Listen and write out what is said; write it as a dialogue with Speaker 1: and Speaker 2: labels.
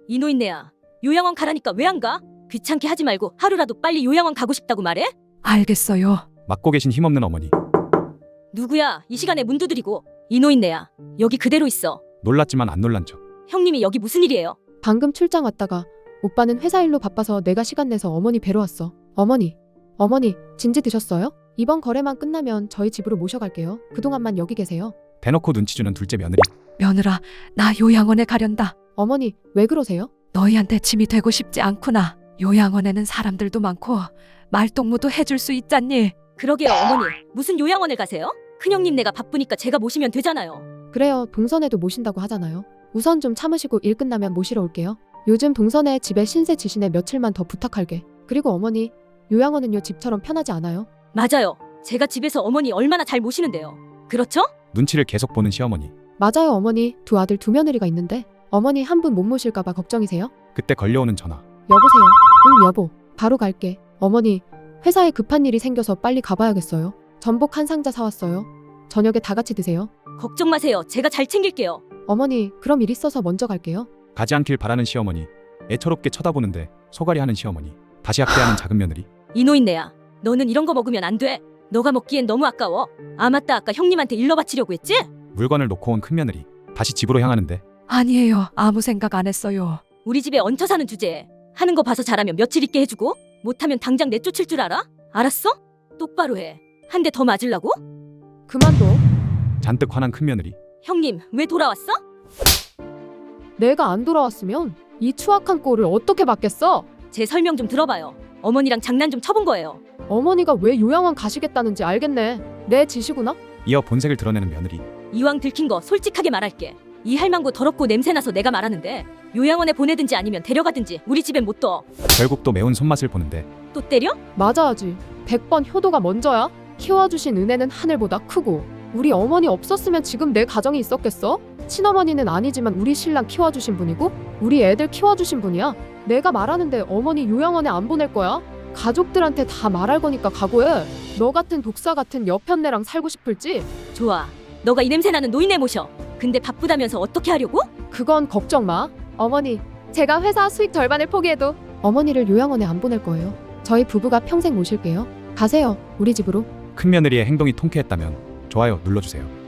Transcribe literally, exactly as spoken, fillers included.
Speaker 1: 이 노인네야, 요양원 가라니까 왜 안 가? 귀찮게 하지 말고 하루라도 빨리 요양원 가고 싶다고 말해?
Speaker 2: 알겠어요.
Speaker 3: 맡고 계신 힘없는 어머니.
Speaker 1: 누구야? 이 시간에 문 두드리고. 이 노인네야, 여기 그대로 있어.
Speaker 3: 놀랐지만 안 놀란 척.
Speaker 1: 형님이 여기 무슨 일이에요?
Speaker 4: 방금 출장 왔다가 오빠는 회사 일로 바빠서 내가 시간 내서 어머니 뵈러 왔어. 어머니, 어머니 진지 드셨어요? 이번 거래만 끝나면 저희 집으로 모셔갈게요. 그동안만 여기 계세요.
Speaker 3: 대놓고 눈치 주는 둘째 며느리.
Speaker 2: 며느라, 나 요양원에 가련다.
Speaker 4: 어머니 왜 그러세요?
Speaker 2: 너희한테 짐이 되고 싶지 않구나. 요양원에는 사람들도 많고 말동무도 해줄 수 있잖니.
Speaker 1: 그러게요, 어머니. 무슨 요양원을 가세요? 큰형님 내가 바쁘니까 제가 모시면 되잖아요.
Speaker 4: 그래요, 동선에도 모신다고 하잖아요. 우선 좀 참으시고 일 끝나면 모시러 올게요. 요즘 동선에 집에 신세 지시네 며칠만 더 부탁할게. 그리고 어머니, 요양원은요 집처럼 편하지 않아요.
Speaker 1: 맞아요. 제가 집에서 어머니 얼마나 잘 모시는데요. 그렇죠?
Speaker 3: 눈치를 계속 보는 시어머니.
Speaker 4: 맞아요, 어머니. 두 아들 두 며느리가 있는데 어머니 한 분 못 모실까봐 걱정이세요?
Speaker 3: 그때 걸려오는 전화.
Speaker 4: 여보세요. 응, 여보. 바로 갈게. 어머니, 회사에 급한 일이 생겨서 빨리 가봐야겠어요. 전복 한 상자 사왔어요. 저녁에 다 같이 드세요.
Speaker 1: 걱정 마세요. 제가 잘 챙길게요.
Speaker 4: 어머니, 그럼 일 있어서 먼저 갈게요.
Speaker 3: 가지 않길 바라는 시어머니. 애처롭게 쳐다보는데 소갈이 하는 시어머니. 다시 학대하는 작은 며느리.
Speaker 1: 이 노인네야, 너는 이런 거 먹으면 안 돼. 너가 먹기엔 너무 아까워. 아 맞다, 아까 형님한테 일러 바치려고 했지?
Speaker 3: 물건을 놓고 온 큰 며느리. 다시 집으로 향하는데
Speaker 2: 아니에요. 아무 생각 안 했어요.
Speaker 1: 우리 집에 얹혀 사는 주제에 하는 거 봐서 잘하면 며칠 있게 해주고 못하면 당장 내쫓을 줄 알아? 알았어? 똑바로 해. 한 대 더 맞으려고?
Speaker 4: 그만둬.
Speaker 3: 잔뜩 화난 큰 며느리.
Speaker 1: 형님, 왜 돌아왔어?
Speaker 4: 내가 안 돌아왔으면 이 추악한 꼴을 어떻게 받겠어?
Speaker 1: 제 설명 좀 들어봐요. 어머니랑 장난 좀 쳐본 거예요.
Speaker 4: 어머니가 왜 요양원 가시겠다는지 알겠네. 내 지시구나?
Speaker 3: 이어 본색을 드러내는 며느리.
Speaker 1: 이왕 들킨 거 솔직하게 말할게. 이 할망구 더럽고 냄새나서 내가 말하는데 요양원에 보내든지 아니면 데려가든지 우리 집엔 못 둬.
Speaker 3: 결국 또 매운 손맛을 보는데
Speaker 1: 또 때려?
Speaker 4: 맞아야지. 백 번 효도가 먼저야. 키워주신 은혜는 하늘보다 크고 우리 어머니 없었으면 지금 내 가정이 있었겠어? 친어머니는 아니지만 우리 신랑 키워주신 분이고 우리 애들 키워주신 분이야. 내가 말하는데 어머니 요양원에 안 보낼 거야? 가족들한테 다 말할 거니까 각오해. 너 같은 독사 같은 여편네랑 살고 싶을지?
Speaker 1: 좋아. 너가 이 냄새나는 노인네 모셔. 근데 바쁘다면서 어떻게 하려고?
Speaker 4: 그건 걱정 마. 어머니, 제가 회사 수익 절반을 포기해도 어머니를 요양원에 안 보낼 거예요. 저희 부부가 평생 모실게요. 가세요, 우리 집으로.
Speaker 3: 큰 며느리의 행동이 통쾌했다면 좋아요 눌러주세요.